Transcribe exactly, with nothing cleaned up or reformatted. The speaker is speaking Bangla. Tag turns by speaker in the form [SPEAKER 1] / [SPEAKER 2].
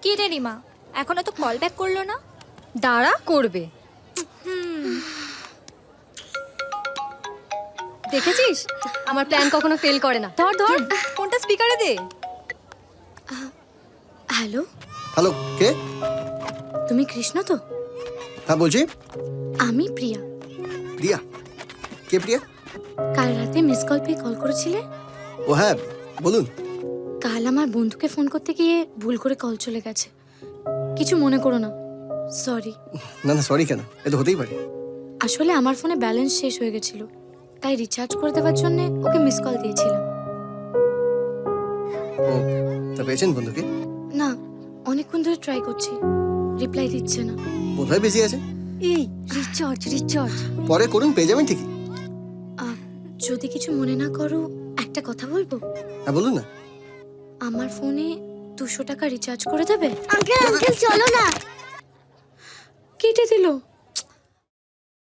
[SPEAKER 1] কি রে রিমা, এখনো তো কল ব্যাক করলো না?
[SPEAKER 2] দাঁড়া, করবে। দেখেছিস, আমার প্ল্যান কখনো ফেল করে না। ধর ধর, ফোনটা স্পিকারে দে।
[SPEAKER 3] হ্যালো,
[SPEAKER 4] হ্যালো, কে?
[SPEAKER 3] তুমি কৃষ্ণ তো?
[SPEAKER 4] হ্যাঁ বলছি।
[SPEAKER 3] আমি প্রিয়া।
[SPEAKER 4] প্রিয়া? কে প্রিয়া?
[SPEAKER 3] কাল রাতে মিস কল পেয়ে কল করেছিলে?
[SPEAKER 4] ও হ্যাঁ, বলুন।
[SPEAKER 3] কাল আমার বন্ধুকে ফোন করতে গিয়ে ভুল করে কল চলে গেছে। কিছু মনে করো না, সরি।
[SPEAKER 4] না না, সরি কেন? এ তো হতেই পারে।
[SPEAKER 3] আসলে আমার ফোনে ব্যালেন্স শেষ হয়ে গেছিল, তাই রিচার্জ করে দেওয়ার জন্য ওকে মিস কল দিয়েছিলাম।
[SPEAKER 4] ও, তা পেয়েছেন বন্ধুকে?
[SPEAKER 3] না, অনেকক্ষণ ধরে ট্রাই করছি, রিপ্লাই দিচ্ছে না।
[SPEAKER 4] বোধহয় বেশি আছে।
[SPEAKER 2] এই রিচার্জ রিচার্জ
[SPEAKER 4] পরে করুন, পেয়ে যাবেন ঠিকই।
[SPEAKER 3] আহ, যদি কিছু মনে না করো, একটা কথা বলবো?
[SPEAKER 4] হ্যাঁ বলুন না।
[SPEAKER 3] আমার ফোনে দুশো টাকা রিচার্জ করে দেবে?
[SPEAKER 5] আঙ্কেল আঙ্কেল চলো না।
[SPEAKER 3] কেটে দিল।